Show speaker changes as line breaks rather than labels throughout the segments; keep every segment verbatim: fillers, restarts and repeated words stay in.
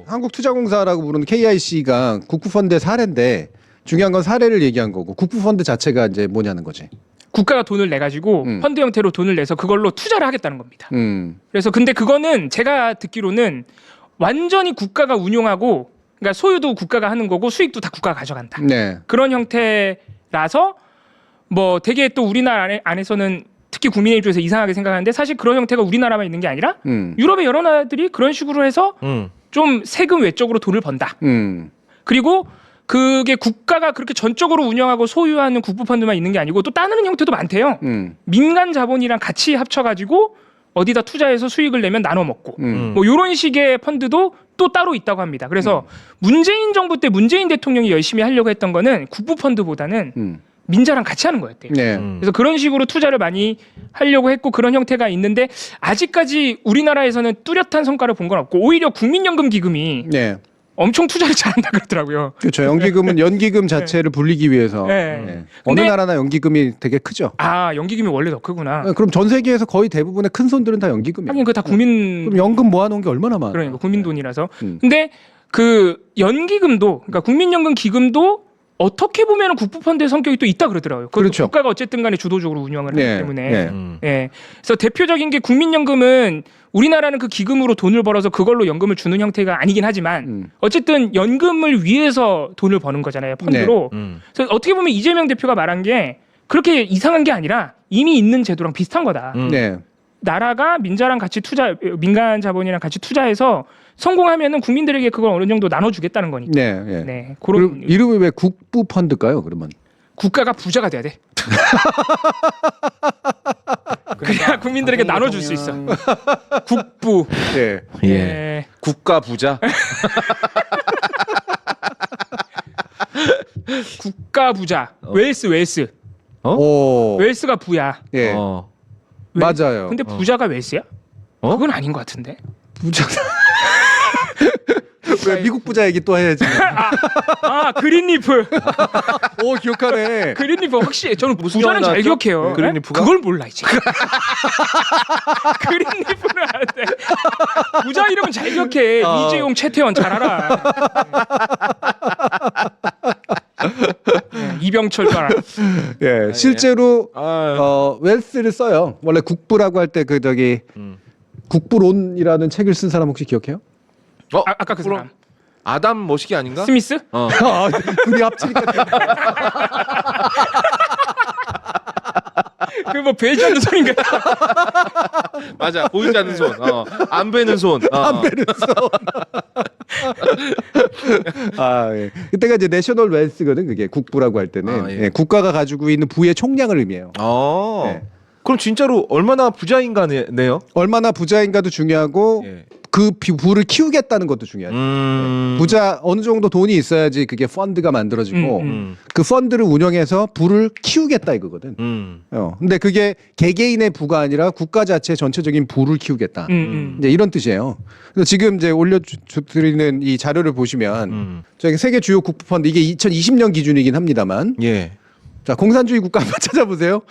한국투자공사라고 부르는 케이아이씨가 국부펀드의 사례인데 중요한 건 사례를 얘기한 거고 국부펀드 자체가 이제 뭐냐는 거지.
국가가 돈을 내 가지고
음.
펀드 형태로 돈을 내서 그걸로 투자를 하겠다는 겁니다.
음.
그래서 근데 그거는 제가 듣기로는 완전히 국가가 운용하고 그러니까 소유도 국가가 하는 거고 수익도 다 국가가 가져간다.
네.
그런 형태라서 뭐 되게 또 우리나라 안에, 안에서는 특히 국민의 입장에서 이상하게 생각하는데 사실 그런 형태가 우리나라만 있는 게 아니라
음.
유럽의 여러 나라들이 그런 식으로 해서
음.
좀 세금 외적으로 돈을 번다.
음.
그리고 그게 국가가 그렇게 전적으로 운영하고 소유하는 국부펀드만 있는 게 아니고 또 다른 형태도 많대요.
음.
민간 자본이랑 같이 합쳐가지고 어디다 투자해서 수익을 내면 나눠 먹고
음.
뭐 이런 식의 펀드도 또 따로 있다고 합니다. 그래서
음.
문재인 정부 때 문재인 대통령이 열심히 하려고 했던 거는 국부펀드보다는
음.
민자랑 같이 하는 거였대요.
네.
음.
그래서 그런 식으로 투자를 많이 하려고 했고 그런 형태가 있는데 아직까지 우리나라에서는 뚜렷한 성과를 본 건 없고 오히려 국민연금 기금이
네.
엄청 투자를 잘한다 그러더라고요.
그렇죠. 연기금은 연기금 자체를 불리기 위해서
네.
네. 어느
근데-
나라나 연기금이 되게 크죠.
아 연기금이 원래 더 크구나.
네, 그럼 전 세계에서 거의 대부분의 큰 손들은 다 연기금이에요.
하긴 그 다 국민
그럼 연금 모아놓은 게 얼마나 많아?
그러니까 국민 돈이라서.
음.
근데 그 연기금도 그러니까 국민연금 기금도 어떻게 보면 국부펀드의 성격이 또 있다 그러더라고요. 그것도
그렇죠.
국가가 어쨌든 간에 주도적으로 운영을 하기
네,
때문에.
네.
음.
예. 그래서 대표적인 게 국민연금은 우리나라는 그 기금으로 돈을 벌어서 그걸로 연금을 주는 형태가 아니긴 하지만
음.
어쨌든 연금을 위해서 돈을 버는 거잖아요. 펀드로.
음.
그래서 어떻게 보면 이재명 대표가 말한 게 그렇게 이상한 게 아니라 이미 있는 제도랑 비슷한 거다.
음.
네.
나라가 민자랑 같이 투자, 민간 자본이랑 같이 투자해서 성공하면은 국민들에게 그걸 어느 정도 나눠주겠다는 거니까.
네. 네.
네,
그럼
그런
이름이 왜 국부펀드일까요? 그러면
국가가 부자가 돼야 돼. 그래야 국민들에게 나눠줄 수 있어. 국부.
네.
예.
예.
국가 부자.
국가 부자. 웨일스, 웨일스.
어?
오.
웨일스가 부야.
예.
어.
웨일스.
맞아요.
근데 부자가 웨일스야?
어?
그건 아닌 것 같은데.
부자. 왜 미국 부자 얘기 또 해야지.
아 그린리프.
오 기억하네.
그린리프 확실히 저는
무슨
부자는
영화
잘
나왔죠?
기억해요.
그린리프가?
그걸 몰라 이제. 그린리프는 아는데 부자 이름은 잘 기억해.
어.
이재용, 최태원 잘 알아. 네, 이병철도 알아.
예, 실제로
아,
어, 웰스를 써요. 원래 국부라고 할 때 그 저기
음.
국부론이라는 책을 쓴 사람 혹시 기억해요?
어?
아, 아까 그 사람
아담 머시기 아닌가?
스미스?
어.
아, 둘이 합치니까
그 뭐 베지 않는 소린가?
맞아. 보이지 않는 손. 어. 안 베는 손. 어.
안 베는 아, 예. 그때가 이제 내셔널 웰스거든. 그게 국부라고 할 때는
아, 예.
예, 국가가 가지고 있는 부의 총량을 의미해요.
어.
네.
그럼 진짜로 얼마나 부자인가네요?
얼마나 부자인가도 중요하고
예.
그 비- 부를 키우겠다는 것도 중요하죠.
음.
부자 어느 정도 돈이 있어야지 그게 펀드가 만들어지고
음, 음.
음.
그 펀드를 운영해서 부를 키우겠다 이거거든.
음.
어. 근데 그게 개개인의 부가 아니라 국가 자체 전체적인 부를 키우겠다.
음, 음.
이제 이런 뜻이에요. 그래서 지금 이제 올려드리는 이 자료를 보시면
음.
저기 세계 주요 국부 펀드 이게 이천이십 년 기준이긴 합니다만
예.
자 공산주의 국가 한번 찾아보세요.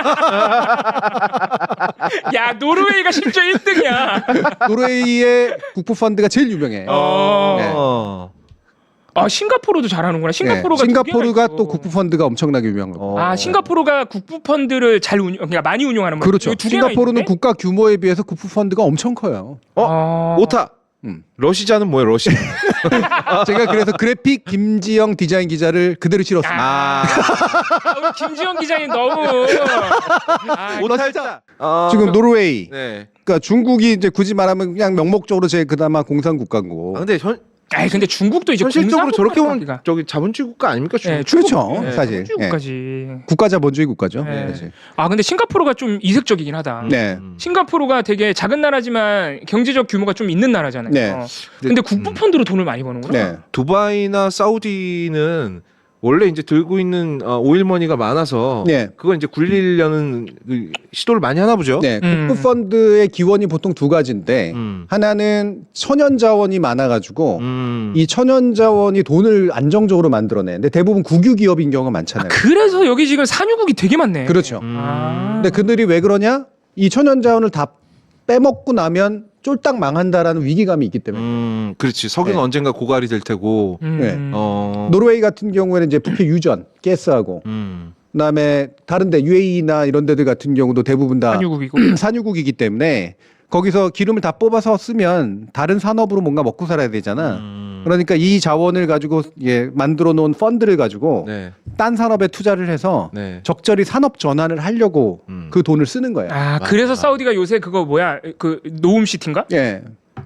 야 노르웨이가 심지어 일 등이야.
노르웨이의 국부 펀드가 제일 유명해.
어.
네.
어.
아 싱가포르도 잘하는구나. 싱가포르가
네.
두 개나
싱가포르가
있어.
또 국부 펀드가 엄청나게 유명한 거.
어.
아 싱가포르가 국부 펀드를 잘 운영, 그러니까 많이 운영하는 거죠.
그렇죠.
두 개나
싱가포르는
있는데?
국가 규모에 비해서 국부 펀드가 엄청 커요.
어?
아...
오타.
음.
러시자는 뭐예요, 러시?
제가 그래서 그래픽 김지영 디자인 기자를 그대로 실었습니다.
아, 우리 김지영 기자님 너무 아,
오타자. 아.
지금 노르웨이,
네.
그러니까 중국이 이제 굳이 말하면 그냥 명목적으로 제일 그나마 공산 국가고.
아, 근데 현,
아이 근데 중국도 이제
현실적으로 저렇게 보면
공산국가니까.
저기 자본주의 국가 아닙니까?
네,
중국?
중국,
그렇죠,
네,
사실.
자본주의국가지.
국가자본주의 국가죠.
네.
사실.
아 근데 싱가포르가 좀 이색적이긴 하다.
네.
음.
싱가포르가 되게 작은 나라지만 경제적 규모가 좀 있는 나라잖아요.
네.
어. 근데 국부 펀드로 돈을 많이 버는구나.
네.
두바이나 사우디는 원래 이제 들고 있는 어, 오일머니가 많아서
네.
그걸 이제 굴리려는 그 시도를 많이 하나 보죠.
네.
음.
국부 펀드의 기원이 보통 두 가지인데
음.
하나는 천연 자원이 많아가지고
음.
이 천연 자원이 돈을 안정적으로 만들어내는데 대부분 국유 기업인 경우가
아,
많잖아요.
그래서 여기 지금 산유국이 되게 많네.
그렇죠.
음.
아.
근데 그들이 왜 그러냐? 이 천연 자원을 다 빼먹고 나면 쫄딱 망한다라는 위기감이 있기 때문에.
음, 그렇지. 석유는
네.
언젠가 고갈이 될 테고.
음.
네.
어.
노르웨이 같은 경우에는 이제 부피 유전, 가스하고
음.
그다음에 다른데 유에이나 이런 데들 같은 경우도 대부분 다
산유국이고.
산유국이기 때문에 거기서 기름을 다 뽑아서 쓰면 다른 산업으로 뭔가 먹고 살아야 되잖아.
음.
그러니까 이 자원을 가지고 예, 만들어 놓은 펀드를 가지고
네.
딴 산업에 투자를 해서
네.
적절히 산업 전환을 하려고
음.
그 돈을 쓰는 거야.
아,
맞아.
그래서 사우디가 요새 그거 뭐야? 그 노움 시티인가?
예.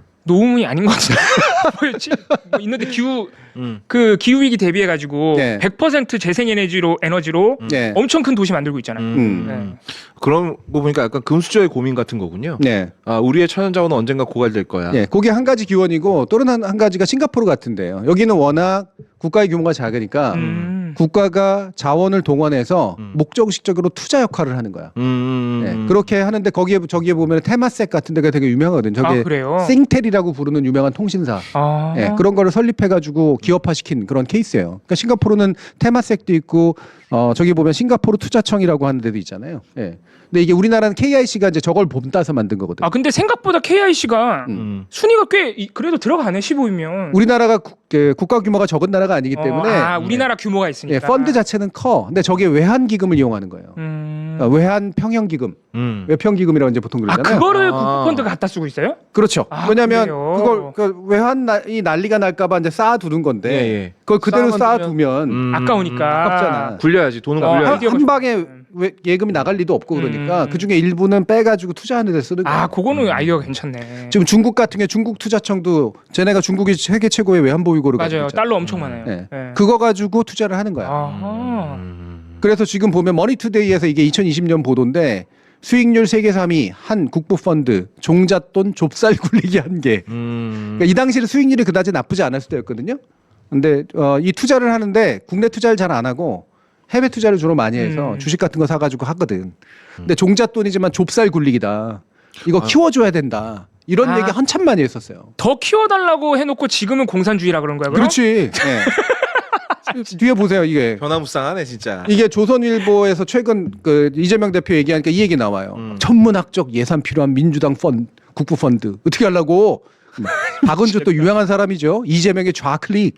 노움이 아닌 것 같은데. 뭐였지? 뭐 있는데 기후
음.
그 기후 위기 대비해 가지고
네.
백 퍼센트 재생 에너지로 에너지로
예.
엄청 큰 도시 만들고 있잖아요.
음.
네.
그런 거 보니까 약간 금수저의 고민 같은 거군요.
네.
아, 우리의 천연자원은 언젠가 고갈될 거야.
예. 그게 한 가지 기원이고 또는 한, 한 가지가 싱가포르 같은데요. 여기는 워낙 국가의 규모가 작으니까
음.
국가가 자원을 동원해서
음.
목적식적으로 투자 역할을 하는 거야.
음.
예. 그렇게 하는데 거기에 저기에 보면 테마섹 같은 데가 되게 유명하거든. 저게
아, 그래요?
싱텔이라고 부르는 유명한 통신사.
아.
예, 그런 거를 설립해가지고 기업화시킨 그런 케이스예요. 그러니까 싱가포르는 테마섹도 있고, 어, 저기 보면 싱가포르 투자청이라고 하는 데도 있잖아요. 예. 근데 이게 우리나라는 케이아이씨가 이제 저걸 본따서 만든 거거든.
아, 근데 생각보다 케이아이씨가
음.
순위가 꽤 이- 그래도 들어가네. 십오 위면.
우리나라가 국, 그 국가 규모가 적은 나라가 아니기 때문에
아, 우리나라 규모가 있으니까.
예, 펀드 자체는 커. 근데 저게 외환 기금을 이용하는 거예요.
음.
그러니까 외환 평형 기금,
음.
외평 기금이라고 이제 보통
아,
그러잖아요.
그거를
아.
국부펀드가 갖다 쓰고 있어요?
그렇죠.
아,
왜냐하면
그래요?
그걸 그 외환이 난리가 날까봐 이제 쌓아두는 건데
예, 예.
그걸 그대로
쌓아만
쌓아두면
음.
아까우니까.
아깝잖아.
굴려야지. 돈은
어,
굴려야지.
한,
아이디어가
한 방에
좋네.
왜- 예금이 나갈 리도 없고 그러니까
음.
그 중에 일부는 빼가지고 투자하는 데 쓰는 거예요.
아, 그거는
음.
아이디어가 괜찮네.
지금 중국 같은 게 중국 투자청도 쟤네가 중국이 세계 최고의 외환 보유고를 가지고
맞아요.
있잖아.
달러 엄청 많아요.
네.
네.
그거 가지고 투자를 하는 거야.
아하.
음.
그래서 지금 보면 머니투데이에서 이게 이천이십 년 보도인데 수익률 세계 삼 위 한 국부 펀드 종잣돈 좁쌀 굴리기 한 개.
음.
그러니까 이 당시에 수익률이 그다지 나쁘지 않았을 때였거든요. 근데 어, 이 투자를 하는데 국내 투자를 잘 안 하고 해외 투자를 주로 많이 해서
음.
주식 같은 거 사가지고 하거든. 근데 종잣돈이지만 좁쌀 굴리기다. 이거
아.
키워줘야 된다. 이런
아.
얘기 한참 많이 했었어요.
더 키워달라고 해놓고 지금은 공산주의라 그런 거야. 그럼?
그렇지. 네. 뒤에 보세요. 이게
변화무쌍하네 진짜.
이게 조선일보에서 최근 그 이재명 대표 얘기하니까 이 얘기 나와요.
음.
천문학적 예산 필요한 민주당 펀드, 국부 펀드 어떻게 하려고? 박은주 또 유명한 사람이죠. 이재명의 좌클릭.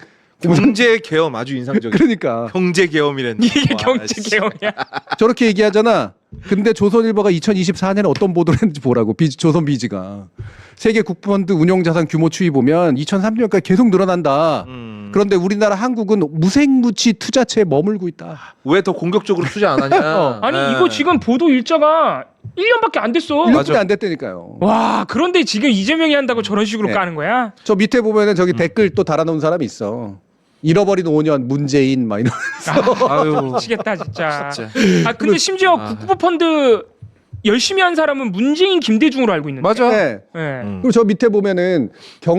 경제 계엄 아주 인상적이야.
그러니까
경제 계엄이랬네.
이게
와,
경제
씨.
개혁이야.
저렇게 얘기하잖아. 근데 조선일보가 이천이십사 년에 어떤 보도를 했는지 보라고. 비즈, 조선비즈가 세계 국부펀드 운용자산 규모 추이 보면 이천삼 년까지 계속 늘어난다.
음.
그런데 우리나라 한국은 무생무치 투자체에 머물고 있다.
왜 더 공격적으로 투자 안 하냐?
어.
아니
네.
이거 지금 보도 일자가 일 년밖에 안 됐어.
일 년밖에
맞아.
안 됐다니까요.
와, 그런데 지금 이재명이 한다고 저런 식으로
네.
까는 거야?
저 밑에 보면은 저기
음.
댓글 또 달아놓은 사람이 있어. 잃어버린 오 년 문재인 막 이런.
아유.
미치겠다 진짜.
진짜.
아 근데 심지어
아.
국부펀드 열심히 한 사람은 문재인 김대중으로 알고 있는데.
맞아.
네.
네.
음.
그리고 저 밑에 보면은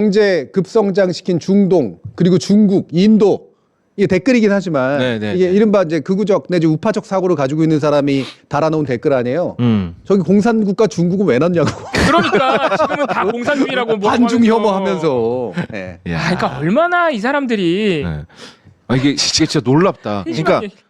경제 급성장시킨 중동 그리고 중국, 인도 이게 댓글이긴 하지만
네, 네,
이게
네.
이른바 이제 극우적 내지 우파적 사고를 가지고 있는 사람이 달아놓은 댓글 아니에요.
음.
저기 공산국가 중국은 왜 넣냐고.
그러니까 지금은 다 공산주의라고 뭐
반중
하면서.
혐오하면서. 네.
아, 그러니까 얼마나 이 사람들이
네. 아 이게 진짜, 진짜 놀랍다. 그러니까
심심하게-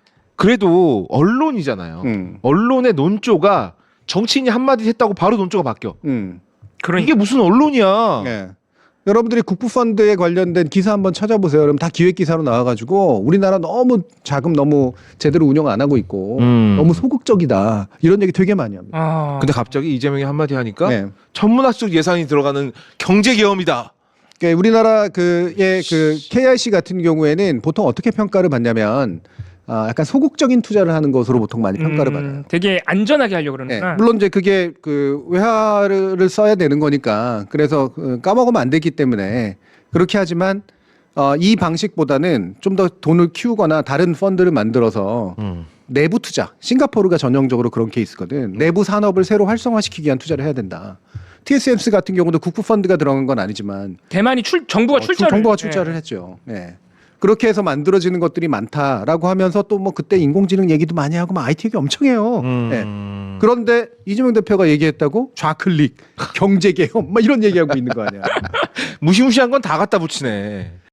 그래도 언론이잖아요.
음.
언론의 논조가 정치인이 한마디 했다고 바로 논조가 바뀌어.
음.
그러니까
이게 무슨 언론이야?
네. 여러분들이 국부펀드에 관련된 기사 한번 찾아보세요. 그럼 다 기획 기사로 나와가지고 우리나라 너무 자금 너무 제대로 운영 안 하고 있고
음.
너무 소극적이다 이런 얘기 되게 많이 합니다.
아,
근데 갑자기 이재명이 한마디 하니까
네.
천문학적 예산이 들어가는 경제 계엄이다.
그러니까 우리나라 그의 그 케이아이씨 같은 경우에는 보통 어떻게 평가를 받냐면 아, 약간 소극적인 투자를 하는 것으로 보통 많이 평가를
음,
받아요.
되게 안전하게 하려고
네.
그러는구나.
물론 이제 그게 그 외화를 써야 되는 거니까 그래서 그 까먹으면 안 되기 때문에 그렇게 하지만 어, 이 방식보다는 좀 더 돈을 키우거나 다른 펀드를 만들어서
음.
내부 투자. 싱가포르가 전형적으로 그런 케이스거든. 내부 산업을 새로 활성화시키기 위한 투자를 해야 된다. 티에스엠씨 같은 경우도 국부 펀드가 들어간 건 아니지만
대만이 출 정부가
어,
출자를
정부가 출자를 했죠. 네. 그렇게 해서 만들어지는 것들이 많다라고 하면서 또 뭐 그때 인공지능 얘기도 많이 하고 막 아이티 얘기 엄청 해요.
음.
네. 그런데 이재명 대표가 얘기했다고 좌클릭, 경제개혁 막 이런 얘기하고 있는 거 아니야.
무시무시한 건 다 갖다 붙이네.